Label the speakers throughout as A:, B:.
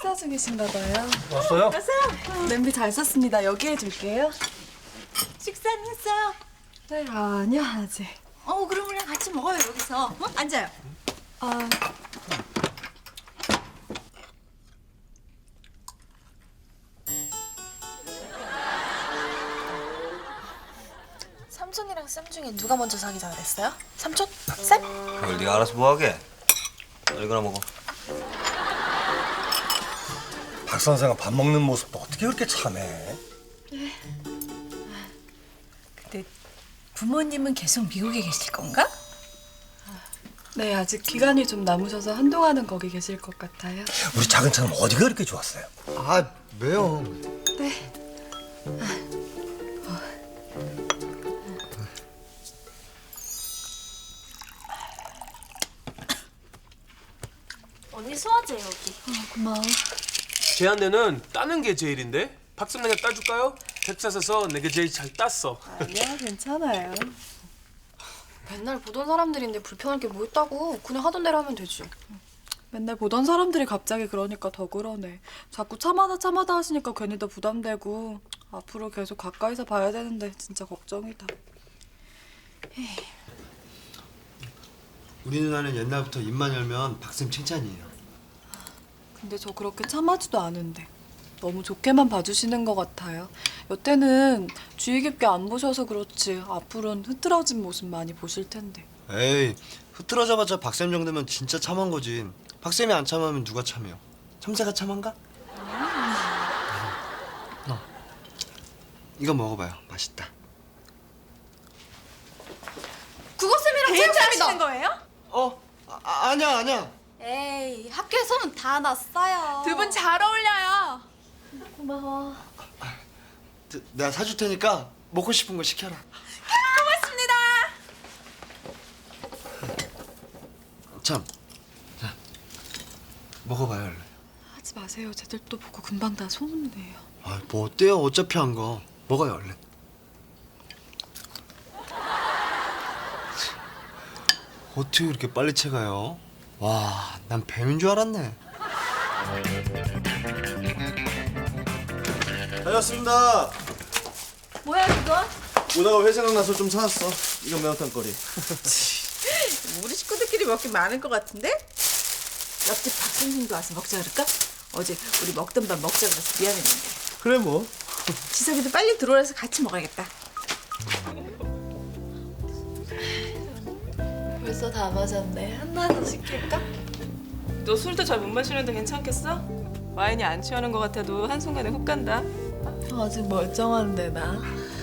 A: 식사 중이신가 봐요.
B: 왔어요?
A: 냄비 잘 썼습니다. 여기 해줄게요.
C: 식사는 했어요?
A: 네, 아니요, 아직.
C: 그럼 우리랑 같이 먹어요, 여기서. 앉아요.
A: 아,
D: 삼촌이랑 쌤 중에 누가 먼저 사귀자 그랬어요? 삼촌? 쌤?
B: 그걸 네가 알아서 뭐하게? 이거나 먹어.
E: 박 선생은 밥 먹는 모습도 어떻게 그렇게 참해?
C: 근데 부모님은 계속 미국에 계실 건가?
A: 네, 아직 기간이 좀 남으셔서 한동안은 거기 계실 것 같아요.
E: 우리 작은 차는 어디가 그렇게 좋았어요?
F: 아, 왜요?
A: 네.
D: 언니 소화제 여기.
A: 고마워.
G: 제한내는 따는 게 제일인데? 박수 내가 따줄까요? 텍사스에서 내가 제일 잘 땄어.
A: 아니야, 괜찮아요.
D: 맨날 보던 사람들인데 불편할 게 뭐 있다고. 그냥 하던 대로 하면 되지.
A: 맨날 보던 사람들이 갑자기 그러니까 더 그러네. 자꾸 참아다 하시니까 괜히 더 부담되고 앞으로 계속 가까이서 봐야 되는데 진짜 걱정이다.
F: 우리 누나는 옛날부터 입만 열면 박쌤 칭찬이에요.
A: 근데 저 그렇게 참하지도 않은데 너무 좋게만 봐주시는 것 같아요. 여태는 주의 깊게 안 보셔서 그렇지 앞으로는 흐트러진 모습 많이 보실 텐데.
F: 에이, 흐트러져봤자 박쌤 정도면 진짜 참한 거지. 박쌤이 안 참으면 누가 참해요? 참새가 참한가? 이거 먹어봐요. 맛있다.
D: 국어쌤이랑
C: 데이트하시는 거예요?
F: 아니야.
D: 에이, 학교에서는 다 났어요.
C: 두 분 잘 어울려요.
D: 고마워.
F: 내가 사줄 테니까 먹고 싶은 거 시켜라.
C: 고맙습니다.
F: 참, 자, 먹어봐요, 얼른.
A: 하지 마세요. 쟤들 또 보고 금방 다 소문내요.
F: 아, 뭐 어때요? 어차피 한 거. 먹어요, 얼른. 어떻게 이렇게 빨리 채가요? 와, 난 뱀인 줄 알았네.
H: 다녀왔습니다.
C: 뭐야, 그거?
H: 오다가 회 생각나서 좀 사왔어. 이건 매운탕거리.
C: 우리 식구들끼리 먹기 많을 것 같은데? 옆집 박 선생님도 와서 먹자 그럴까? 어제 우리 먹던 밥 먹자 그래서 미안했는데.
H: 그래 뭐.
C: 지석이도 빨리 들어와서 같이 먹어야겠다.
A: 벌써 다 마셨네. 하나 더 시킬까?
I: 너 술도 잘 못 마시는데 괜찮겠어? 와인이 안 취하는 것 같아도 한순간에 훅 간다.
A: 아직 멀쩡한데 나.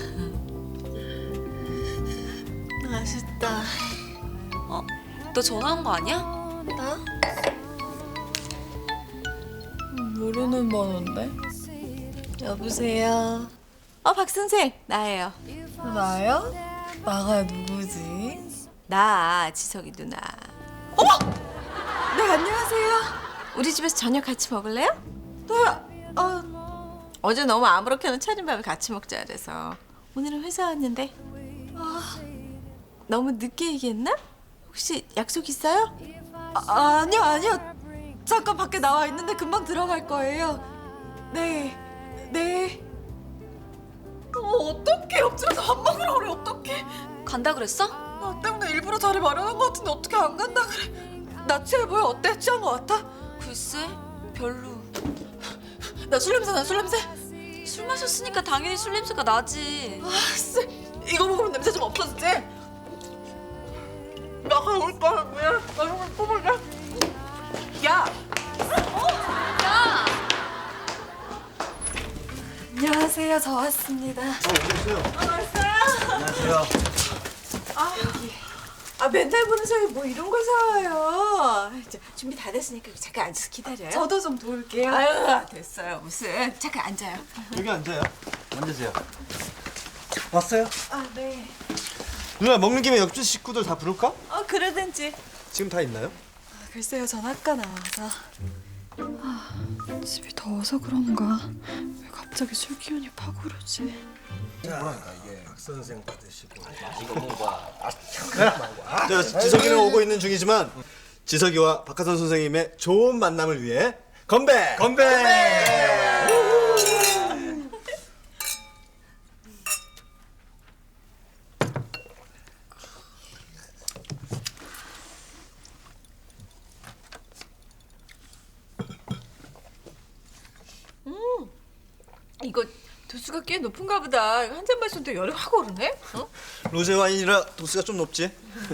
A: 맛있다.
D: 너 전화한 거 아니야?
A: 나? 모르는 번호인데? 여보세요?
C: 박 선생, 나예요.
A: 나요? 나가 누구지?
C: 나 지석이 누나.
A: 네, 안녕하세요.
C: 우리 집에서 저녁 같이 먹을래요?
A: 네,
C: 어제 너무 아무렇게나 차린 밥을 같이 먹자 그래서 오늘은 회사 왔는데. 너무 늦게 얘기했나? 혹시 약속 있어요?
A: 아니요. 잠깐 밖에 나와 있는데 금방 들어갈 거예요. 네. 어떡해. 옆집에서 밥 먹으러 그래. 어떡해.
D: 간다 그랬어?
A: 나 때문에 일부러 자리 마련한 거 같은데 어떻게 안 간다 그래. 나 취해 보여? 어때? 취한 거 같아?
D: 글쎄, 별로.
A: 나 술 냄새 나, 술 냄새.
D: 술 마셨으니까 당연히 술 냄새가 나지.
A: 쎄. 이거 먹으면 냄새 좀 없어지지? 나가 올 거야. 뭐야? 나 이거 뽑을래. 야!
D: 야!
A: 안녕하세요. 저 왔습니다.
E: 안녕하세요.
C: 맨날 보는 사람이 뭐 이런 걸 사와요. 자, 준비 다 됐으니까 잠깐 앉아서 기다려요.
A: 저도 좀 도울게요.
C: 아유, 됐어요. 무슨. 잠깐 앉아요.
H: 여기 앉아요.
E: 앉으세요. 왔어요?
A: 네.
F: 누나 먹는 김에 옆집 식구들 다 부를까?
C: 그러든지.
F: 지금 다 있나요?
A: 글쎄요. 전 아까 나와서. 집이 더워서 그런가? 왜 갑자기 술 기운이 팍 오르지?
E: 뭐랄까 이게 박 선생 받으시고.
H: 자, 지석이는 오고 있는 중이지만 지석이와 박하선 선생님의 좋은 만남을 위해 건배.
C: 이거 도수가 꽤 높은가 보다. 한 잔 마셨는데 열이 확 오르네. 어?
H: 로제 와인이라 도수가 좀 높지.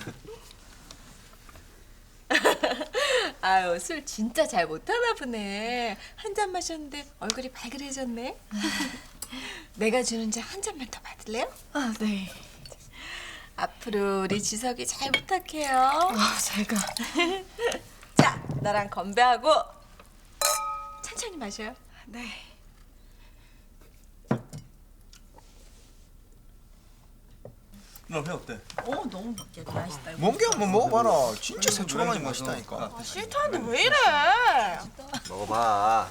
C: 아유 술 진짜 잘 못하나 보네. 한 잔 마셨는데 얼굴이 발그레졌네. 내가 주는 잔 한 잔만 더 받을래요?
A: 아, 네.
C: 앞으로 우리 지석이 잘 부탁해요.
A: 아, 제가.
C: 자, 나랑 건배하고 천천히 마셔요.
A: 네.
H: 누나 배 어때?
C: 너무 맛있다.
E: 멍게 한번 먹어봐라. 진짜 새초가만이 맛있다니까.
C: 아, 싫다는데 왜 이래?
B: 먹어봐.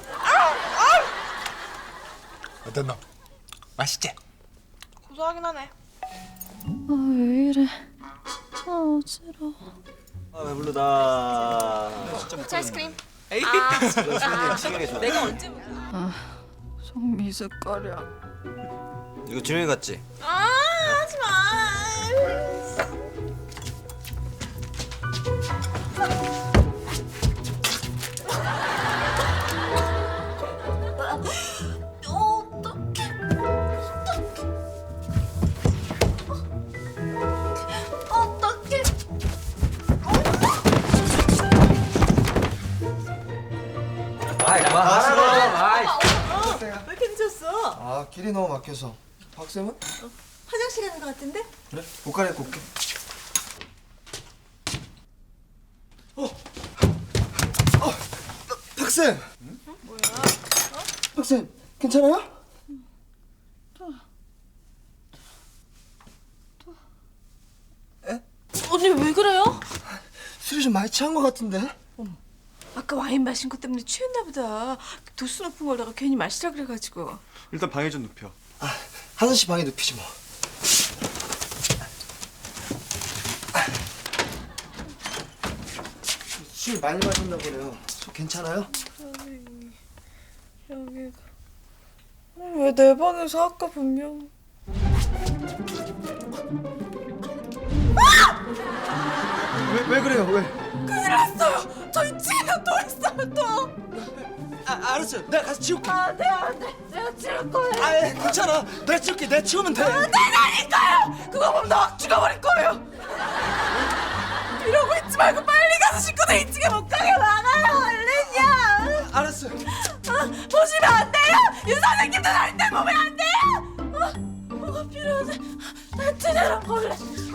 E: 어땠나? 맛있지?
D: 고소하긴 하네.
A: 아, 왜 이래. 아, 어지러워.
B: 아 배부르다.
D: 푸치 아이스크림.
C: 내가 언제 먹어?
A: 속 미숫가루.
B: 이거 준영이 같지?
C: 아, 하지 마.
B: 아이 그만. 아이.
C: 왜 이렇게 늦었어?
F: 아 길이 너무 막혀서. 박쌤은?
C: 화장실 가는 것 같은데?
F: 그래? 옷 갈아입고 올게. 박쌤! 뭐야? 박쌤, 괜찮아요?
C: 언니 왜 그래요?
F: 술이 좀 많이 취한 것 같은데?
C: 아까 와인 마신 것 때문에 취했나 보다. 도수 높은 걸다가 괜히 마시라 그래가지고.
H: 일단 방에 좀 눕혀.
F: 아, 하선 씨 방에 눕히지 뭐. 술 많이 마셨나 보네요. 속 괜찮아요?
A: 왜 내 방에서 아까 분명.
F: 왜 그래요? 왜?
C: 큰일 났어요. 저희 집에 또 있어요 또.
F: 아, 알았어요. 내가 가서 치울게.
C: 안 돼. 내가 치울 거예요.
F: 아, 괜찮아. 내가 치울게. 내가 치우면 돼.
C: 되라니까요. 그거 보면 나 확 죽어버릴 거예요. 이러고 있지 말고 빨리 가서 식구들 2층에 못 가게 막아요. 얼른요.
F: 알았어요.
C: 보시면 안 돼요. 유 선생님도 절대 보면 안 돼요. 뭐가 필요하지? 제대로 걸래.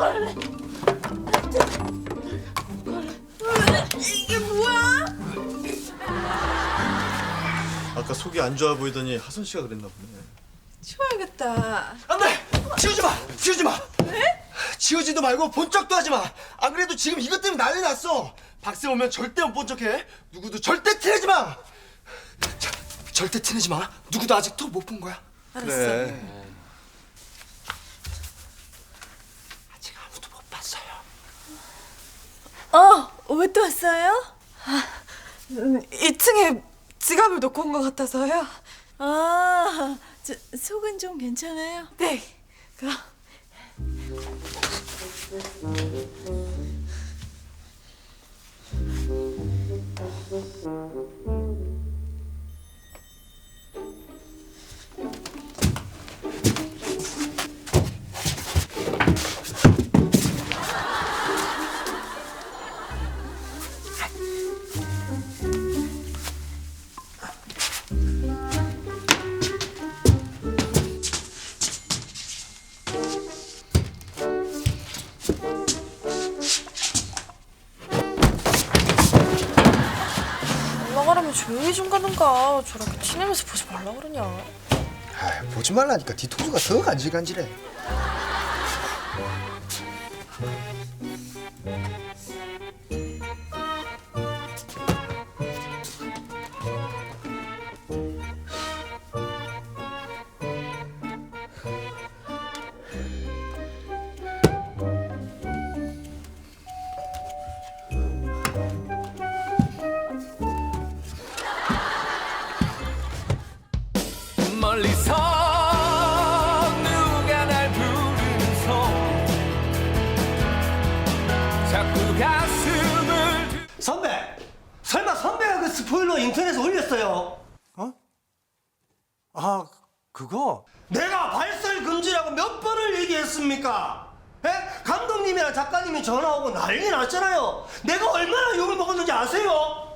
C: 이게 뭐야?
H: 아까 속이 안 좋아 보이더니 하선 씨가 그랬나 보네.
C: 치워야겠다.
F: 안 돼! 치우지 마! 왜? 치우지도 말고 본 척도 하지 마! 안 그래도 지금 이것 때문에 난리 났어! 박쌤 오면 절대 못 본 척해! 누구도 절대 티내지 마! 자, 절대 티내지 마! 누구도 아직도 못 본 거야?
H: 그래.
F: 아직 아무도 못 봤어요.
C: 왜 또 왔어요?
A: 2층에 지갑을 놓고 온 것 같아서요.
C: 아, 속은 좀 괜찮아요?
A: 네. 그럼.
D: 올라가려면 조용히 좀 가든가. 저렇게 티내면서 보지 말라 그러냐.
F: 아, 보지 말라니까 뒤통수가 더 간질간질해.
G: 자꾸 가슴을
E: 선배, 설마 선배가 그 스포일러 인터넷에 올렸어요? 어? 아, 그거? 내가 발설 금지라고 몇 번을 얘기했습니까? 에? 감독님이랑 작가님이 전화 오고 난리 났잖아요. 내가 얼마나 욕을 먹었는지 아세요?